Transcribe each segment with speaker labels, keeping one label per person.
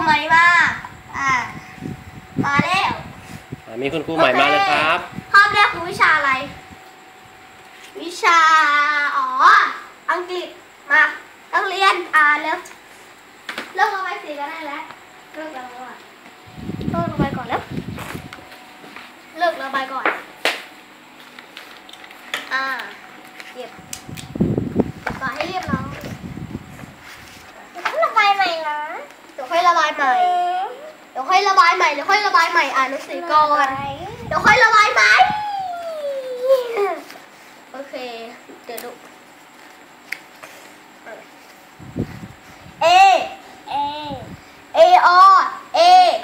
Speaker 1: ใหม่มามาแล้ว
Speaker 2: มีคุณครูใหม่มาเลยครับ
Speaker 1: ห้องแรกคือวิชาอะไรวิชาอังกฤษมานักเรียนเริ่มระบายสีกันได้แล้วเริ่มระบายก่อนแล้วเลิกระบายก่อนเก็บต่อให้เรียบร้อย
Speaker 3: ระบายใหม่นะ
Speaker 1: เดี๋ยวค่อยระบายใหม่เดี๋ยวค่อยระบายใหม่อ่านหนังสือก่อนเดี๋ยวค่อยระบายใหม่โอเคเดี๋ยวดูA
Speaker 3: A
Speaker 1: A O A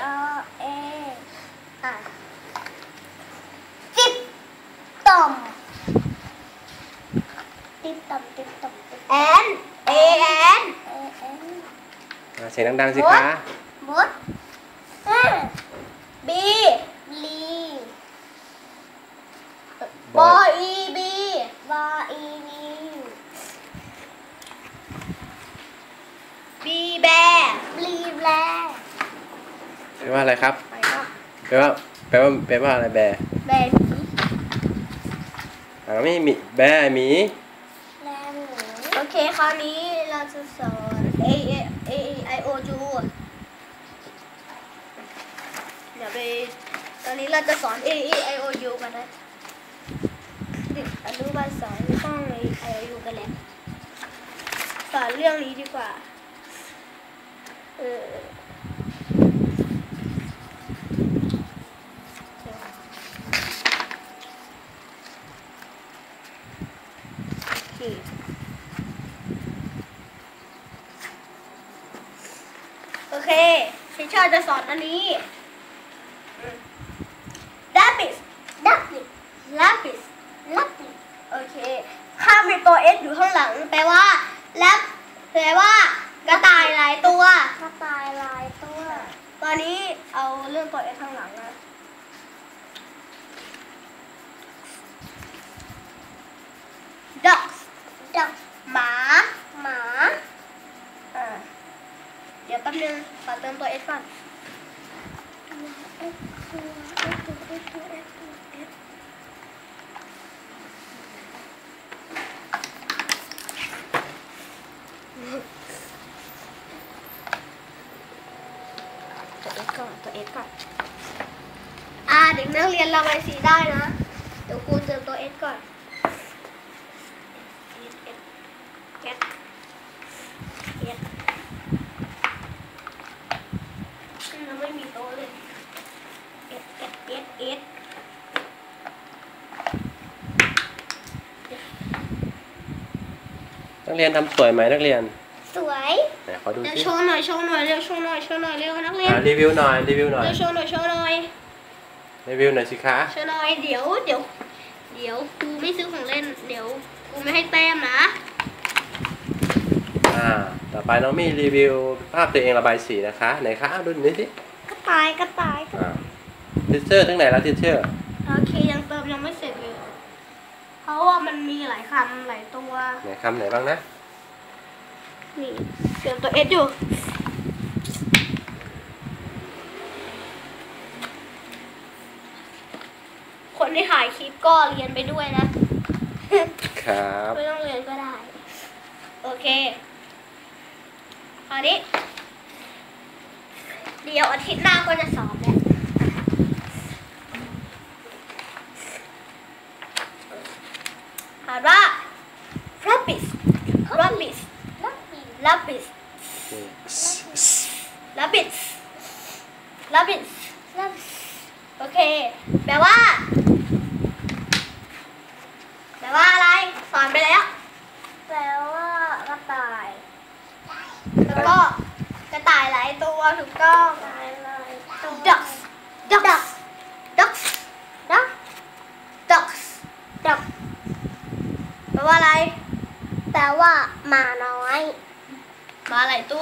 Speaker 3: ติ๊บต่อม
Speaker 1: N A N
Speaker 2: เสียงดังๆสิคะ
Speaker 3: บุต
Speaker 1: B
Speaker 3: ลี
Speaker 1: B E B
Speaker 3: บออีนี
Speaker 1: B bear
Speaker 3: ลีแบล
Speaker 2: แปลว่าอะไรครับแปลว่าอะไรแบร์
Speaker 1: แบร์
Speaker 2: ไม่มีแบร์หมี
Speaker 3: แลหมู
Speaker 1: โอเคคราวนี้เราจะสอน A I O U เดี๋ยวไปตอนนี้เราจะสอน A I O U กันนะเด็กอนุบาล2ไม่ต้อง A I O U กันแล้วสอนเรื่องนี้ดีกว่าโอเคพี่ชอบจะสอนอันนี้ lapis โอเคถ้ามีตัว S อยู่ข้างหลังแปลว่ากระต่ายหลายตัว
Speaker 3: กระต่ายลายตัว
Speaker 1: ตอนนี้เอาเรื่องตัว S ข้างหลังนะduck หมาเดี๋ยวแป๊บนึงขอเติมตัว S ก่อนตัว S ก่อนเด็กนักเรียนระบายสีได้นะเดี๋ยวครูเติมตัว S ก่อนเราไม่มีโต๊ะเลยS
Speaker 2: นักเรียนทำสวยไหมนักเรียน
Speaker 3: สวย
Speaker 2: ขอดูสิ
Speaker 1: โชว์หน่อยเร็วโชว์หน่อยเร็วนักเรียน
Speaker 2: รีวิวหน่อย
Speaker 1: โชว์หน่อย
Speaker 2: รีวิวหน่อยสิคะ
Speaker 1: โชว์หน่อยเดี๋ยวครูไม่ซื้อของเล่นเดี๋ยวครูไม่ให้แต้มนะ
Speaker 2: ต่อไปน้องมีรีวิวภาพตัวเองระบายสีนะคะไหนคะดูหน่อยสิ
Speaker 3: กระต่าย
Speaker 2: ทิชเชอร์ทั้งไหนแล้วทิชเชอร์
Speaker 1: โอเคยังไม่เสร็จเลยเพราะว่ามันมีหลายคำหลายตัว
Speaker 2: ไหนคำไหนบ้างนะ
Speaker 1: นี่เติมตัว S อยู่คนที่ถ่ายคลิปก็เรียนไปด้วยนะครับไม่ต้องเรียนก็ได้โอเคคราวนี้เดี๋ยวอาทิตย์หน้าก็จะสอบแล้วอ่านว่า lapis โอเคแปลว่าอะไรสอนไปแล้ว
Speaker 3: แปลว่ากระต่าย
Speaker 1: แล้วก็กระต่ายหลายตัวถูกต้องducks แปลว่าอะไร
Speaker 3: แปลว่าหมาน้อย
Speaker 1: หมาหลายตัว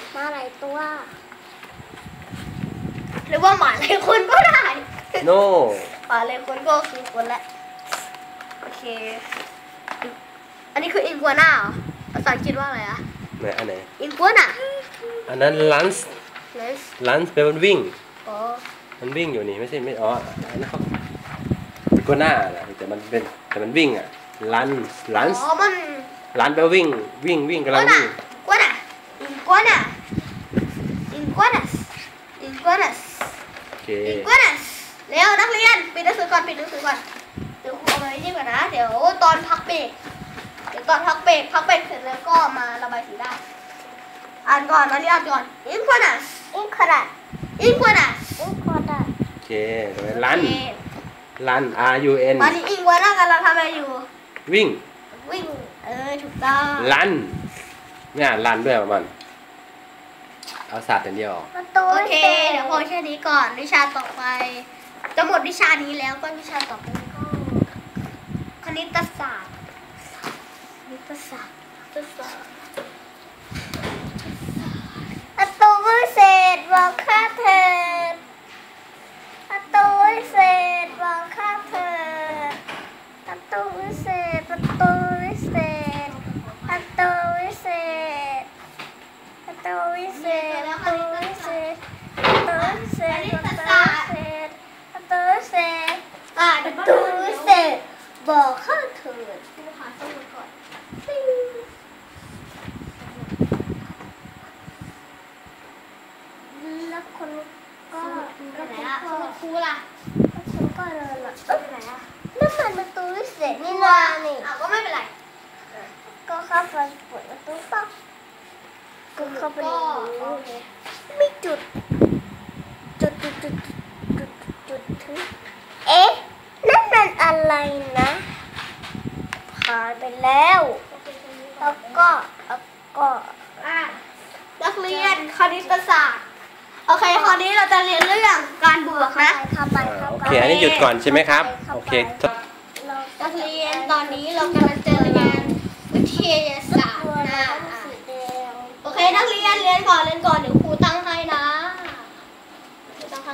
Speaker 1: หรือว่าหมาหลายคนก็ได้
Speaker 2: no
Speaker 1: หมาหลายคนก็คือคนละโอเคอันนี้คืออินกัวน่าเหรอภาษาอังกฤษว่าอะไรอะ
Speaker 2: ไหนอันไหน
Speaker 1: อินกัวน่า
Speaker 2: อันนั้นลันส์
Speaker 3: lunch
Speaker 2: ลันแปลว่าวิ่ง
Speaker 3: อ๋อ
Speaker 2: มันวิ่งอยู่นี่ไม่ใช่ไม่อ๋ออันนั้นเขาเป็นก้นหน้าแหละแต่มันวิ่งอ่ะลัน
Speaker 1: อ๋อมัน
Speaker 2: ลันแปลว่าวิ่งกำลังวิ่ง
Speaker 1: iguana iguana iguanas iguanas
Speaker 2: โอเค
Speaker 1: iguanas เร็วนักเรียนปิดหนังสือก่อนเดี๋ยวครูเอาไว้นี่ก่อนนะเดี๋ยวตอนพักเบรกเสร็จแล้วก็มาระบายสีได้อ่านก่อนอ่านก่อน iguanas
Speaker 3: incorrect
Speaker 1: iguanas
Speaker 3: incorrect
Speaker 2: โอเคลัน RUN
Speaker 1: ตอนนี้iguanaกำลังทำอะไรอยู่
Speaker 2: วิ่ง
Speaker 1: วิ่งถูกต้อง
Speaker 2: ลันเนี่ยลันด้วยประมาณเอาศาสตร์อย่างเดียว
Speaker 3: ประตู
Speaker 1: โอเคเดี๋ยวพอแค่นี้ก่อนวิชาต่อไปจะหมดวิชานี้แล้วก็วิชาต่อไปก็คณิตศาสตร์
Speaker 3: ประตูวิเศษบอกค่าเถิดประตูวิเศษบอกค่าเถิดประตูวิเศษประตูวิเศษประตูวิเศษประตูวิเศษประตูวิเศษประตูวิเศษประตูวิเศษประตูวิเศษ
Speaker 1: เดี๋ยว
Speaker 3: ประตูวิเศษบอกค่าเถิด
Speaker 1: ครูหาสมุดก่อน
Speaker 3: แล้วคนก็
Speaker 1: ไปไหนอะสมุดครูล่ะ
Speaker 3: คนก็เดินละ
Speaker 1: ไปไหนอะ
Speaker 3: นั่นมันประตูวิเศษนี่นานี่
Speaker 1: ก็ไม่เป็นไร
Speaker 3: ก็เข้าไปเปิดประตูปั๊บก็เข้าไปใน
Speaker 1: โอ
Speaker 3: นี้
Speaker 1: เค
Speaker 3: มีจุดถึงเอ๊ะนั่นมันอะไรนะผ่านไปแล้วแล้วก็
Speaker 1: นักเรียนคณิตศาสตร์โอเคคราวนี้เราจะเรียนเรื่องการบวกนะ
Speaker 3: เข้าไป
Speaker 2: โอเคอันนี้หยุดก่อนใช่ไหมครับโอเค
Speaker 1: นักเรียนตอนนี้เรากำลังจะเรียนวิทยาศาสตร์นะ
Speaker 3: สีแดง
Speaker 1: โอเคนักเรียนเรียนก่อนเดี๋ยวครูตั้งให้นะครูตั้งให้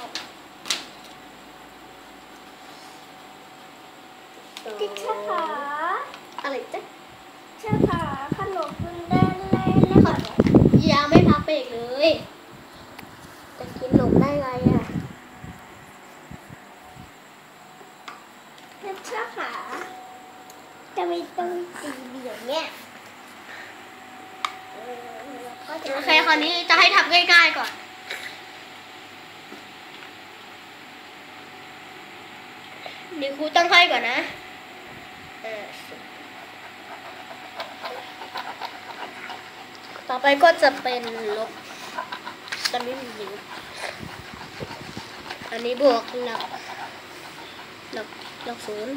Speaker 3: ติ๊กช่าขา
Speaker 1: อะไรจ๊ะ
Speaker 3: ช่าขาขนมคุณเล่นก่อน
Speaker 1: ยังไม่พักเบรกเลยจะกินหนมได้ไงอ่ะ
Speaker 3: ติ๊กช่าขาจะไม่ต้องตีเบี่ยงเนี่ย
Speaker 1: โอเคคราวนี้จะให้ทำง่ายๆก่อนเดี๋ยวครูตั้งให้ก่อนนะต่อไปก็จะเป็นลบตอนนี้มีอยู่อันนี้บวกหลักศูนย์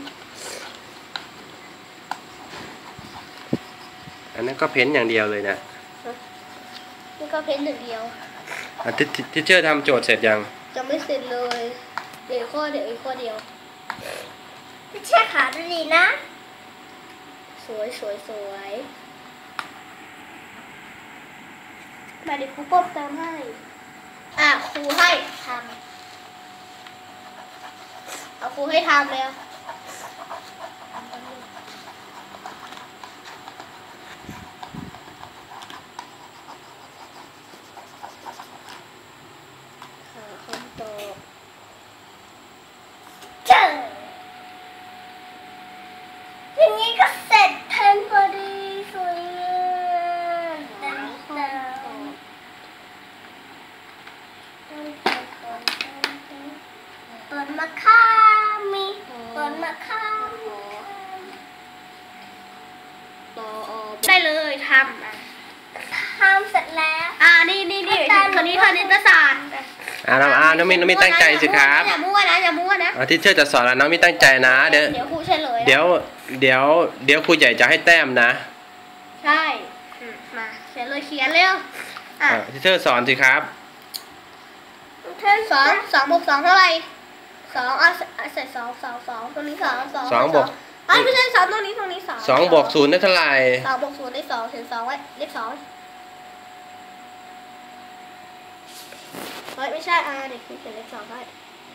Speaker 2: อันนั้นก็เพ้นอย่างเดียวเลยนะ
Speaker 1: นี่ก็เพ้นหนึ่งเดียว
Speaker 2: ทิเชอร์ทำโจทย์เสร็จยัง
Speaker 1: จะไม่เสร็จเลยเดี๋ยวอีกข้อเดียว
Speaker 3: ติ๊กช่าขาดูดีนะ
Speaker 1: สวยมาเดี๋ยวครูเพิ่มเติมให้ครูให้ทำเอาครูให้ทำเลยคำตอบ
Speaker 3: เจออย่างนี้ก็เสร็จทันพอดีสวยงามต้นมะขามมีต้นมะขาม
Speaker 1: ได้เลยทำ
Speaker 3: ทำเสร็จแล้ว
Speaker 1: นี่คนนี้คณิตศาสตร์
Speaker 2: น้องมินตั้งใจสิครับ
Speaker 1: อย่ามั่วนะ
Speaker 2: ทิเชอร์จะสอนแล้วน้องมินตั้งใจนะเดี๋ยว
Speaker 1: เดี๋ยวครูเฉลย
Speaker 2: เดี๋ยวครูใหญ่จะให้แต้มนะ
Speaker 1: ใช่มาเขียนเร็ว
Speaker 2: ทิเชอร์สอนสิครับ
Speaker 1: สองบวกสองเท่าไหร่สองใส่สองตรงนี้สอง
Speaker 2: บวก
Speaker 1: ไม่ใช่สองตรงนี้สอง
Speaker 2: 2 บวก 0ได้เท่าไหร่
Speaker 1: 2 บวก 0 ได้ 2 เขียน 2 ไว้เลข 2เฮ้ยไม่ใช่เด็กครูเขียนเลข 2 ไว้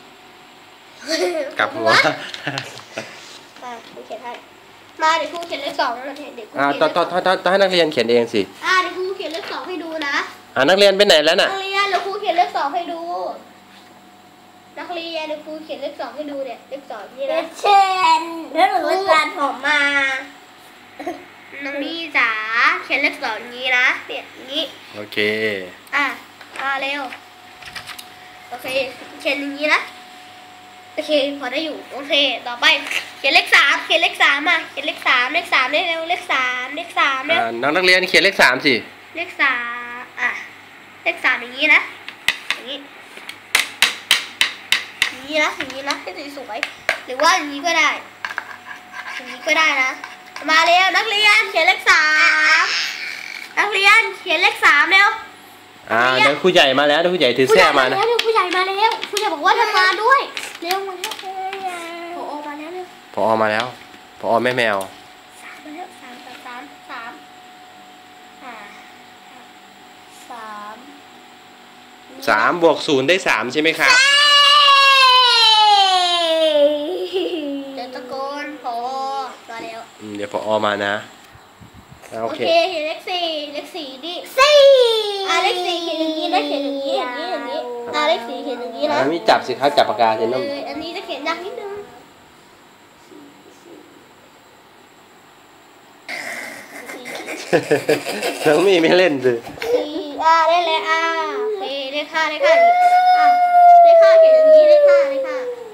Speaker 2: กลับหัว
Speaker 1: ครูเขียนให้มาเดี๋ยวครูเขียนเลข 2แล้วเด็กครูเขียน
Speaker 2: ต้องให้นักเรียนเขียนเองสิ
Speaker 1: เดี๋ยวครูเขียนเลข 2ให้ดูนะ
Speaker 2: นักเรียนไปไหนแล้วน่ะ
Speaker 1: นักเรียนเขียนเลข2ให้ดู นักเรียนเดี๋ยวครูเขียนเลข2ให้ดูเนี่ยเลข2นี่นะ
Speaker 3: เช่นแล้วหนูก็ตัดผมมา
Speaker 1: น้องนี่จ๋าเขียนเลข2อย่างนี้นะเนี่ยอย่างนี้
Speaker 2: โอเค
Speaker 1: เร็วโอเคเขียนอย่างนี้นะโอเคพอได้อยู่โอเคต่อไปเขียนเลข3เขียนเลข3เขียนเลข3เลข3ได้เร็วเลข3เลข3เร็ว
Speaker 2: น้องนักเรียนเขียนเลข 3สิ
Speaker 1: เลข3เลข3อย่างนี้นะอย่างนี้อย่างนี้นะอย่างนี้นะให้สวยๆหรือว่าอย่างนี้ก็ได้อย่างนี้ก็ได้นะมาเร็วนักเรียนเขียนเลข3นักเรียนเขียนเลข3เร็ว
Speaker 2: เดี๋ยวครูใหญ่มาแล้วเดี๋ยวครูใหญ่ถือแส้มานะ
Speaker 1: ผู้ใหญ่มาแล้วผู้ใหญ่บอกว่าทำงานด้วยเร็วมาแล้วผอมาแล้วเร็ว
Speaker 2: พอมาแล้วพอแม่แมว
Speaker 1: 3มาแล้ว
Speaker 2: 3 บวก 0 ได้ 3 ใช่ไหมครับ
Speaker 1: เดี๋ยวตะโกนผอมาแล้ว
Speaker 2: เดี๋ยวพอมานะโอ
Speaker 1: โอ
Speaker 2: เค
Speaker 1: เคเห็นเลข4เลข4ดิ
Speaker 3: สี่
Speaker 1: เลข4เขียนอย่างนี้นะเขียนอย่างนี้อย่างนี้เลข4เขียนอย่างนี้นะ
Speaker 2: ไม่จับสิครับจับปากกาสิน้อง
Speaker 1: อันนี้จะเขียนยากนิดนึง
Speaker 2: น้องมีไม่เล่นสิ
Speaker 1: 4ได้เลยโอเคเลข5เลข5เลข5เขียนอย่างนี้เลข5เลข5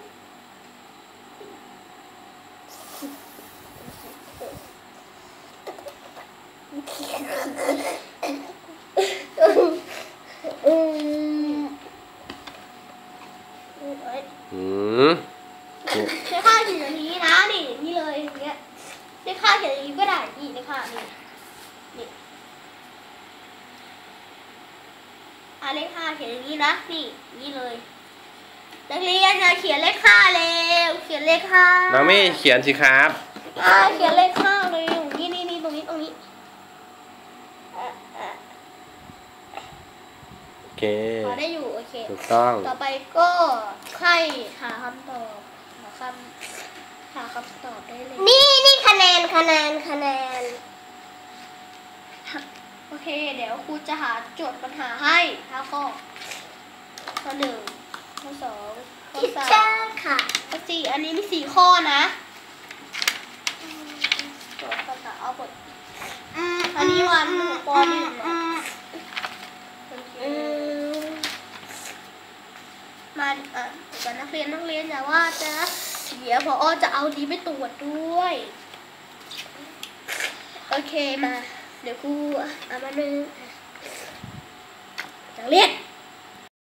Speaker 1: เลข5เขียนอย่างนี้นะนี่อย่างนี้เลยอย่างเงี้ยเลข5เขียนอย่างนี้ก็ได้นี่เลข5นี่เลข5เขียนอย่างนี้นะนี่นี่เลยนักเรียนอย่าเขียนเลข5เร็วเขียนเลข5
Speaker 2: น้องไม่เขียนสิครับ
Speaker 1: เขียนเลข5เลยนี่ตรงนี้
Speaker 2: โอเค
Speaker 1: พอได้อยู่โอเค
Speaker 2: ถูกต้อง
Speaker 1: ต่อไปก็ให้หาคำตอบหาคำตอบได้เลย
Speaker 3: นี่คะแนน
Speaker 1: โอเคเดี๋ยวครูจะหาโจทย์ปัญหาให้5ข้อข้อ1ข้อ2ข้อ
Speaker 3: ทิชเชอ
Speaker 1: 3
Speaker 3: ร์ค่ะ
Speaker 1: ข้อ4อันนี้มี4ข้อนะโจทย์ปัญหาเอาหมดอันนี้วันป .1 นะมาเดี๋ยวนักเรียนอย่าว่าจะเดี๋ยวพอจะเอาดีไปตรวจด้วยโอเคมาเดี๋ยวครูเอามาหนึ่งนักเรียน